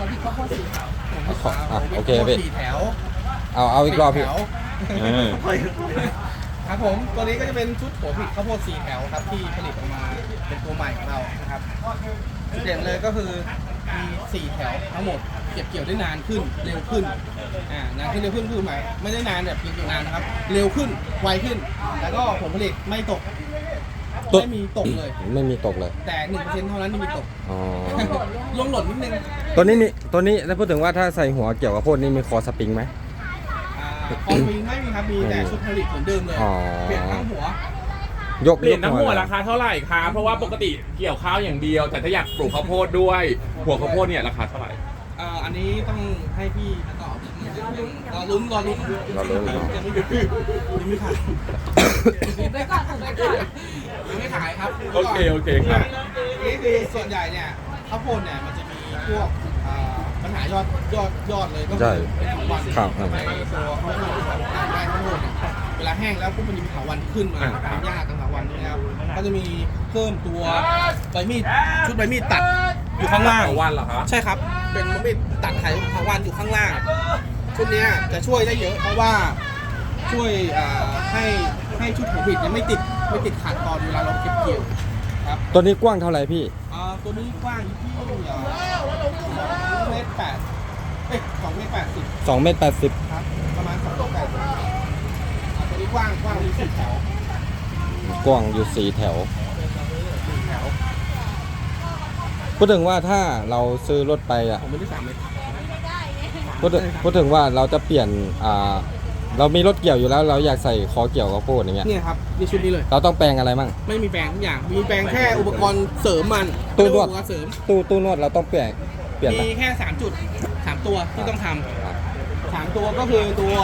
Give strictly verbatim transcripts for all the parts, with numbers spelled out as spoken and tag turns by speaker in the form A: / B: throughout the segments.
A: ผิดข้าวโพดสีขาว
B: อ่ะโอเคพี่
C: สี่แถว
B: เอาเอาอีกรอบพี่
C: สี่แถว
B: เออ
C: ครับผมตัวนี้ก็จะเป็นชุดหัวผิดข้าวโพดสี่แถวครับที่ผลิตออกมาเป็นตัวใหม่ของเรานะครับจุดเด่นเลยก็คือมีสี่แถวทั้งหมดเก็บเกี่ยวได้นานขึ้นเร็วขึ้นอ่านานขึ้นเร็วขึ้นคือหมายไม่ได้นานแบบเก็บเกี่ยวนานนะครับเร็วขึ้นไวขึ้น แล้วก็ผลผลิตไม่ตกไม่มีตกเลย
B: ไม่มีตกเลย
C: แต่หนึ่งเปอร์เซ็นต์เท่านั้นที่มีตก
B: อ๋อ
C: ลงหล่นนิดนึง
B: ตัวนี้มีตัวนี้ถ้าพูดถึงว่าถ้าใส่หัวเกี่ยวกับโพดนี่มีคอสปริงไหม
C: อ่าคอมมิงไม่มีครับมีแต่ชุดผลิตเหมือนเดิมเลย
B: อ๋อ
C: เปลี่ยนทั้งหัว
B: ยก
D: เปลี่ยนน้ำหัว
B: เลย
D: ราคาเท่าไหร่คะเพราะว่าปกติเกี่ยวข้าวอย่างเดียว แต่ถ้าอยากปลูกข้าวโพดด้วย หัวข้าวโพดเนี่ยราคาเท่าไหร่
C: เอ่ออันนี้ต้องให้พี่ตอบรอลุ้นรอลุ้น
B: รอลุ้นรอลุ้น
C: ยังไม่ยังไม่ขาย
A: ถูกไว้ก่อนถูกไว้ก่อน
C: ยังไม่ขายครับ
D: โอเคโอเคครับ
C: นี่คือส่วนใหญ่เนี่ยข้าวโพดเนี่ยมันจะมีพวกเอ่อปัญหายอดยอดยอดเลยก็
B: ใช่
C: คือเป็นวัน
B: ครับ
C: ในตัวข้าวโพดการได้ข้าวโพดเนี่ยเวลาแห้งแล้วปุ๊บมันจะมีเถาวันที่ขึ้นมา
D: อ่า
C: เป็นหญ้ากับเถาวันนี่นะครับก็จะมีเพิ่มตัวใบมีดชุดใบมีดตัดอยู่ข้างล่าง
D: วันเหรอคะ
C: ใช่ครับ เป็นมันไม่ตัดไถทางวันอยู่ข้างล่าง ชุดเนี้ยจะช่วยได้เยอะเพราะว่าช่วยอ่าให้ให้ชุดหัวบิดเนี่ยไม่ติดไม่ติดขัดตอนเวลาเราเก็บเกี่ยวครับ
B: ตัวนี้กว้างเท่าไหร่พี่
C: อ่าตัวนี้กว้างอยู่ที่สองเมตรแปดเอ้ยสองเมตรแปดสิบ
B: สองเมตรแปดสิบ
C: ครับประมาณสองเมตรแปดสิบอ่าตัวนี้กว้างกว้างมีสี่แถว
B: กว้างอยู่สี่แถว
C: สี่แถว
B: พูดถึงว่าถ้าเราซื้อรถไปอ่ะ
C: ผมไม่ได้สามเมตร
B: พูดถึงพูดถึงว่าเราจะเปลี่ยนอ่าเรามีรถเกี่ยวอยู่แล้ว เราอยากใส่คอเกี่ยวกับโพดอย่างเงี้ย
C: เนี่ยครับนี่ชุดนี้เลย
B: เราต้องแปลงอะไรมั่ง
C: ไม่มีแปลงทุกอย่างมีแปลงแค่อุปกรณ์เสริมมัน
B: ตู้นวด
C: อุปกรณ์เสริม
B: ตู้ตู้นวดเราต้องเปลี่ยนเปลี่ยนไหม
C: มีแค่สามจุดสามตัวที่ต้องท
B: อ่ะ
C: ำสามตัวก็คือตัว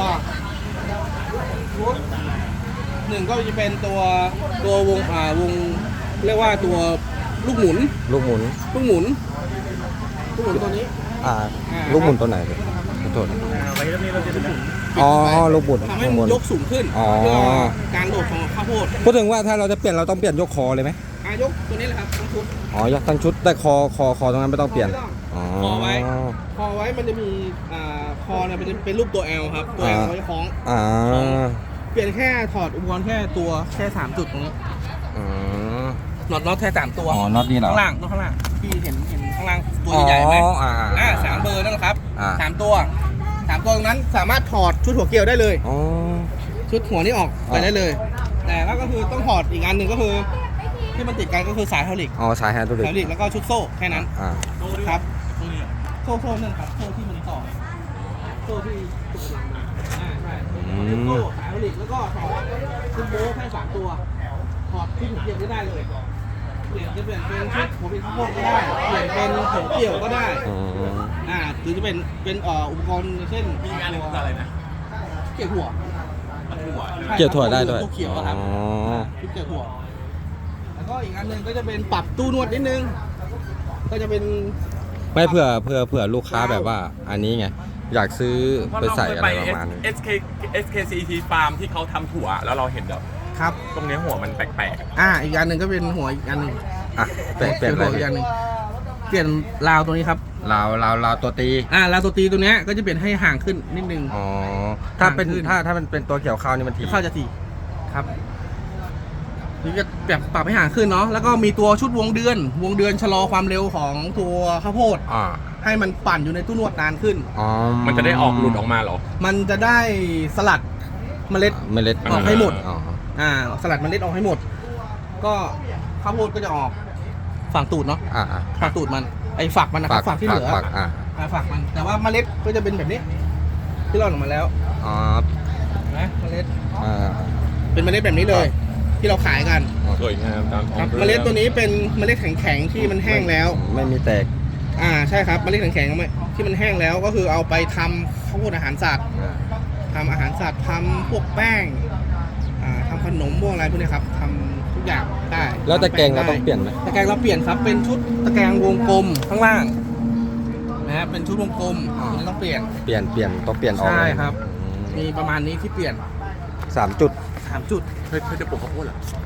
C: หนึ่งก็จะเป็นตัวตัววงอ่าวงเรียกว่าตัวลูกหมุน
B: ลูกหมุน
C: ลูกหมุนลูกหมุนตัวนี้
B: อ่า
C: อ่า
B: ลูกหมุนตัวไหนเลยขอโทษ
C: ไว้ตรงนี้เราจะลูกหมุน
B: อ๋อลูกหมุน
C: ทำให้
B: ข้างบ
C: มัน
B: น
C: ยกสูงขึ้น
B: อ๋อ
C: เพื่อการโดดของข้าวโพด
B: พูดถึงว่าถ้าเราจะเปลี่ยนเราต้องเปลี่ยนยกคอเลยไหม
C: อายกตัวนี้แหละครับทั้งชุด
B: อ๋อยกทั้งชุดแต่คอคอคอตรงนั้นไม่ต้องเปลี่ยนอ๋อ
C: คอไว้ คอไว้มันจะมีอ่าคอเนี่ยเป็นเป็นรูปตัว L ครับตัว L
B: อ่า
C: เขาจะคล้อง
B: อ่า
C: เปลี่ยนแค่ถอดอุปกรณ์แค่ตัวแค่สามจุดตรงนี้
B: อ๋อ
C: น็อตน็อตแค่สามตัว
B: อ๋อน็อตนี่เหรอ
C: ข้างล่างน็อตข้างล่างพี่เห็นเห็นข้างล่างตัวใหญ่ๆไหม
B: อ๋ออ่า
C: อ่าสามเบอร์นั่นแหละครับ
B: อ่า
C: สามตัวสามตัวตรงนั้นสามารถถอดชุดหัวเกลียวได้เลย
B: อ๋อ
C: ชุดหัวนี่ออกไป
B: อ่า
C: ได้เลย แต่แล้วก็คือต้องถอดอีกอันหนึ่งก็คือ ที่มันติดกันก็คือสายไฮดรอลิก
B: อ๋อสายแฮนด์ตัวเล็
C: ไฮดรอลิกแล้วก็ชุดโซ่แค่นั้น
B: อ่า
C: ครับโซ่โซ่นั่นครับโซ่ที่มันต่อโซ่ที่ติดกันมาอ่าใช่ชุดโซ่สายไฮดรอลิกแล้วก็ถอดชุดโบ้แค่สามตัวถอดชุดหัวเกลียวก็ได้เลยเปลี่ยนจะเปลี่ยนเป็นชุดหัวเป็นข้าวโพดก็ได้เปลี่ยนเป็นหัวเกลียวก็ได้
B: อ๋อ
C: อ่าหรือจะเป็นเป็นเอ่ออุปกรณ์เช่น
D: มีงานอะไรนะ
C: เกี่ยวหัว
D: หัว
B: เกี่ยวถั่วได้ด้วย
C: ตัวเขียวอะครับ
B: อ๋อ
C: ชุดเกี่ยวหัวแล้วก็อีกอันหนึ่งก็จะเป็นปรับตู้นวดนิดนึงก็จะเป็น
B: ไม่เผื่อเผื่อเผื่อลูกค้าแบบว่า อันนี้ไงอยากซื้อไปใส่อะไรประมาณนี้
D: เอส เค เอส เค ซี ที Farm ที่เขาทำถั่วแล้วเราเห็นแบบ
C: ครับ
D: ตรงเนี้ยหัวมันแปลก
C: อ่าอีกอันหนึ่งก็เป็นหัวอีกอันหนึ่ง
B: อ่ะเปลี่ยนเปลี่ยนอะไร
C: หัวอีกอันหนึ่งเปลี่ยนราวตัวนี้ครับ
B: ลาวลาวลาวตัวตี
C: อ่าราวตัวตีตัวเนี้ยก็จะเปลี่ยนให้ห่างขึ้นนิดนึง
B: อ๋อถ้าเป็น
C: ขึ้น
B: ถ้าถ้ามันเป็นตัวเกี่ยวข้าวนี่มันที
C: เข้าจะทีครับนี่จะแบบปรับให้ห่างขึ้นเนาะแล้วก็มีตัวชุดวงเดือน วงเดือนชะลอความเร็วของตัวข้าวโพด
B: อ่า
C: ให้มันปั่นอยู่ในตู้นวดนานขึ้น
B: อ๋อ
D: ๆ มันจะได้ออกหลุดออกมาเหรอ
C: มันจะได้สลัดเมล็ด
B: เมล็ด
C: ออกให้หมด
B: อ๋อ
C: อ่า สลัดเมล็ดออกให้หมด ก็ข้าวโพดก็จะออกฝั่งตูดเนาะ
B: อ่าอ่า
C: ฝั่งตูดมัน ไอ้ฝักมันนะครับฝักที่เหลือ
B: ฝักอ่า
C: อ่าฝักมัน แต่ว่าเมล็ดก็จะเป็นแบบนี้ ที่เราออกมาแล้ว
B: อ๋อ
C: นะเมล็ด
B: อ่า
C: เป็นเมล็ดแบบนี้เลย ที่เราขายกัน
D: สวยงามตามท้อง
C: ครับ
D: รื่อง
C: เมล็ดตัวนี้เป็นเมล็ดแข็งๆที่มันแห้งแล้ว
B: ไม่มีแตก
C: อ่า ใช่ครับ เมล็ดแข็งๆที่มันแห้งแล้ว ก็คือเอาไปทำข้าวโพดอาหารสัตว์
B: อ่า
C: ทำอาหารสัตว์ทำพวกแป้งอ่าทำขนมพวกอะไรพวกนี้ครับทำทุกอย่างได้
B: แล้วตะแกรงเรา
C: ทำ
B: ต้องเปลี่ยนไหม
C: ตะแกรงเราเปลี่ยนครับเป็นชุดตะแกรงวงกลมข้างล่างนะฮะเป็นชุดวงกลมไม่ต้องเปลี่ยน
B: เปลี่ยนเปลี่ยนต้องเปลี่ยนออก
C: ใช่
B: เลย
C: ครับ
B: อืม
C: มีประมาณนี้ที่เปลี่ยน
B: สามจุด
C: สามจุด
D: เคยเคยจะปลูกข้าวโพดเหรอ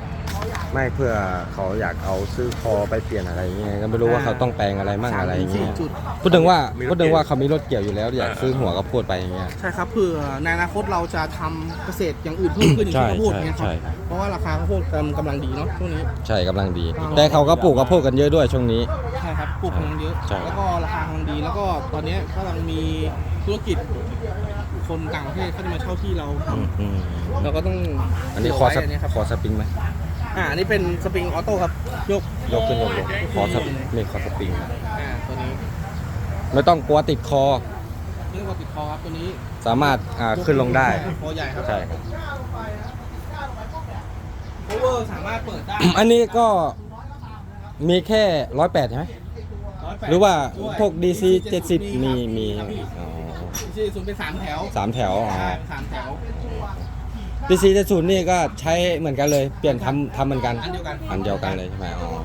B: ไม่เพื่อเขาอยากเอาซื้อคอไปเปลี่ยนอะไรเงี้ยก็ไม่รู้ว่าเขาต้องแปลงอะไรมั่งอะไรเงี้ย
C: สามถึงสี่จุด
B: พูดถึงว่าพูดถึงว่าเขามีรถเกี่ยวอยู่แล้วอยากซื้อหัวกระโพดไปอย่างเงี้ย
C: ใช่ครับเผื่อในอนาคตเราจะทำเกษตรอย่างอื่นเพิ่มขึ้นอย่าง
B: ใช่
C: เช่นข้าวโพดเนี่ยค
B: ใช่
C: รับ
B: ใช่
C: เพราะว่าราคาข้าวโพดกำลังกำลังดีเนาะช่วงนี้
B: ใช่กำลังดี แต่เขาก็ปลูกกระโพดกันเยอะด้วยช่วงนี้
C: ใช่ครับปลูกกำลังเยอะ
B: ใช่
C: แล้วก็ราคากำลังดีแล้วก็ตอนนี้กำลังมีธุรกิจคนต่างประเทศเขาจะมาเช่าที่เราท
B: อืมอืม
C: ำเราก็ต้อง
B: อันนี้คอส
C: เผื่ไว้อันนี้ครับ
B: คอสปริงไหม
C: อ่าอันนี้เป็นสปริงออโต้ครับยก
B: ยกขึ้นยกลงคอสนี่คอสปริง
C: อ่าตัวนี้
B: ไม่ต้องกลัวติดคอ
C: เรียกว่าติดคอครับตัวนี้
B: สามารถอ่าขึ้นลงได้
C: คอใหญ่ครับ
B: ใช่ครับ
C: โอเวอร์สามารถเปิดได้
B: อันนี้ก็มีแค่ร้อยแปดใช่ไหม หรือว่าพวก ดี ซี เจ็ดสิบมีมีอ๋อ
C: ดีซีศูนย์เป็นสามแถว
B: สามแถวอ๋อ
C: ใช่เป็นสามแถว
B: ดี ซี เจ็ดสิบนี่ก็ใช้เหมือนกันเลย เปลี่ยนทำทำเหมือนกัน
C: อันเดียวกัน
B: อันเดียวกันเลยใช่ไหมอ๋อ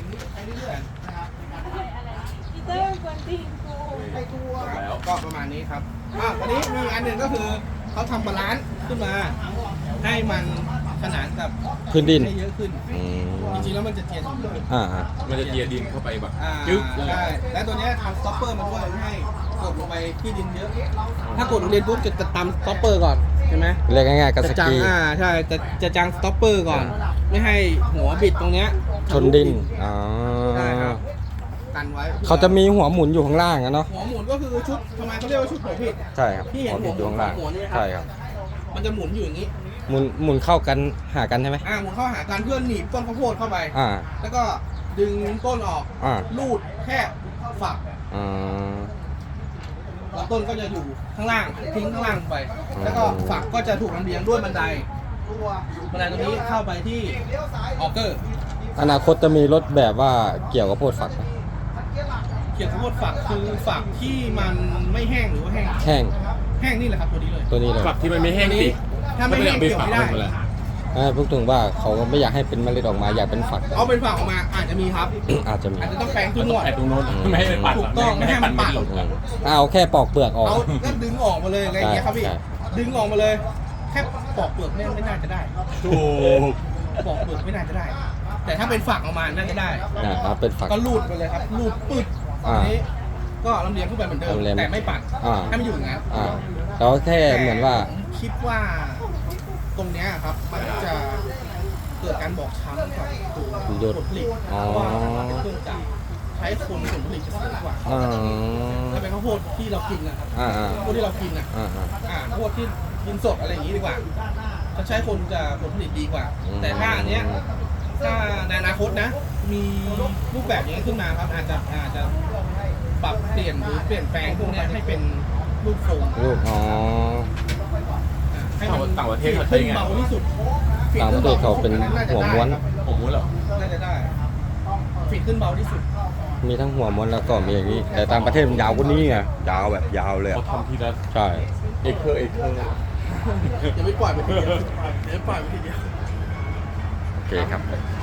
A: อีเตอร์กวนตีนกู
C: แล้วก็ประมาณนี้ครับอ่ะวันนี้มีอันหนึ่งก็คือเขาทำบาลานซ์ขึ้นมา ให้มันขนานกับ
B: พื้นดิน
C: ให้เยอะขึ้น
B: อืม
C: จริงๆแล้วมันจะเทียนอยู่
B: อ่าอ่า
D: มันจะเทียดินเข้าไปแบบ
C: อ่า
D: จึ๊กเลย
C: ใช่และตัวเนี้ยทำสต็อปเปอร์มาด้วยไม่ให้กดลงไปที่ดินเยอะ ถ้ากดลงดินปุ๊บจะจะตามสต็อปเปอร์ก่อนใช่ไหม
B: เรียกง่ายๆกับส
C: จะจัง
B: กี
C: อ่าใช่จะจะจังสต็อปเปอร์ก่อน ไม่ให้หัวบิดตรงเนี้ย
B: ชนดินอ๋อ
C: ใช่ครับกันไว้
B: เขาจะมีหัวหมุนอยู่ข้างล่างอะเนาะ
C: หัวหมุนก็คือชุดทำไมเขาเรียกว่าชุดหัวผิด
B: ใช่ครับ
C: ที่เห็น
B: หัวหมุนอยู่ข้างล่าง
C: หัวเนี่ยครับ
B: ใช่ครับ
C: มันจะหมุนอยู่อย่างนี้
B: หมุนหมุนเข้ากันหากันใช่ไหม
C: อ่าหมุนเข้าหากันเพื่อหนีบต้นข้าวโพดเข้าไป
B: อ่า
C: แล้วก็ดึงต้นออก
B: อ่า
C: ลูดแค่ฝัก
B: อ่า
C: แล้วต้นก็จะอยู่ข้างล่างทิ้งข้างล่างไป แล้วก็ฝักก็จะถูกลำเลียงด้วยบันไดบันไดตรงนี้เข้าไปที่ออเกอร์
B: อนาคตจะมีรถแบบว่าเกี่ยวกับโพดฝักไหม
C: เขียนข้าวโพดฝักคือฝักที่มันไม่แห้งหรือว่าแห้ง
B: แห้ง
C: แห้งนี่แหละครับตัวนี้เลย
B: ตัวนี้เลย
D: ฝักที่มันไม่แห้งสิ
C: ถ้าไม่แห้งเกี่ยวไม่ได้
D: เลย
B: อ่าพูดถึงว่าเขาก็ไม่อยากให้เป็นเมล็ดออกมาอยากเป็นฝัก
C: เอาเป็นฝักออกมาอาจจะมีครับ
B: อาจจะมี
C: อาจจะต้องแปลงทุ
D: มั
C: ก
D: น
C: ง
D: ต้อง
C: วด
D: แอบตรงโน้นไม่ให้มันปัด
C: ถูกต้องไม่ให้มันปัด
D: หล่น
B: อืมเอาแค่ปอกเปลือกออก
C: เอาก็ดึงออกมาเลยอะไรอย่างเงี้ยครับพี่
B: ใช่
C: ดึงออกมาเลย แค่ปอกเปลือกเนี่ยไม่น่าจะได้
D: ถูก
C: ปอกเปลือกไม่น่าจะได้ แต่ถ้าเป็นฝักออกมาน่าจะได้
B: อ่าเอาเป็นฝัก
C: ก็ลูดไปเลยครับลูดปึ๊ด
B: อ่า
C: อันนี้ก็ลำเลียงขึ้นไปเหมือนเดิม
B: ลำเลียง
C: แต่ไม่ปัด
B: อ่า
C: ให้มันอยู่อย่างนั้น
B: อ่าเราแค่เหมือนว่า
C: ผมคิดว่าตรงเนี้ยครับมันจะเกิดการบอกช้ำกับตัวผลผลิต
B: อ๋อ
C: เพราะว่ามันเป็นเครื่องจักรใช้คนผลผลิตจะสูงกว่า
B: อ่า
C: ถ้าเป็นข้าวโพดที่เรากินนะครับ
B: อ่าอ่า
C: ข้าวโพดที่เรากินอ่ะ
B: อ่าอ่า
C: อ่าข้าวโพดที่กินสดอะไรอย่างนี้ดีกว่าถ้าใช้คนจะผลผลิตดีกว่า
B: อืม
C: แต่ถ้าอันเนี้ยถ้าในอนาคตนะ มีรูปแบบอย่างนี้ขึ้นมาครับ อาจจะอาจจะปรับเปลี่ยนหรือเปลี่ยนแปลงพวกเนี้ยให้เป็นรูปทรง
B: ลูกอ๋อ
C: อ่าให้มัน
D: ต่างประเทศเขาใช้ยังไง
C: เบาที่สุด
B: ต่างประเทศเขาเป็นหัวม้วน
D: ผมรู้เหรอ
C: น่าจะได้ฟิตขึ้นเบาที่สุด
B: มีทั้งหัวม้วนแล้วก็มีอย่างนี้ แต่ต่างประเทศมันยาวกว่านี้ไงยาวแบบยาวเลย
D: เขา
B: อะ
D: ทำทีละ
B: ใช่
D: เอกเคอร์เอกเคอร์
C: อย่าไม่ปล่อยไปทีเดียวอย่าไม่ปล่อยไปทีเดียว
B: โอเคครับ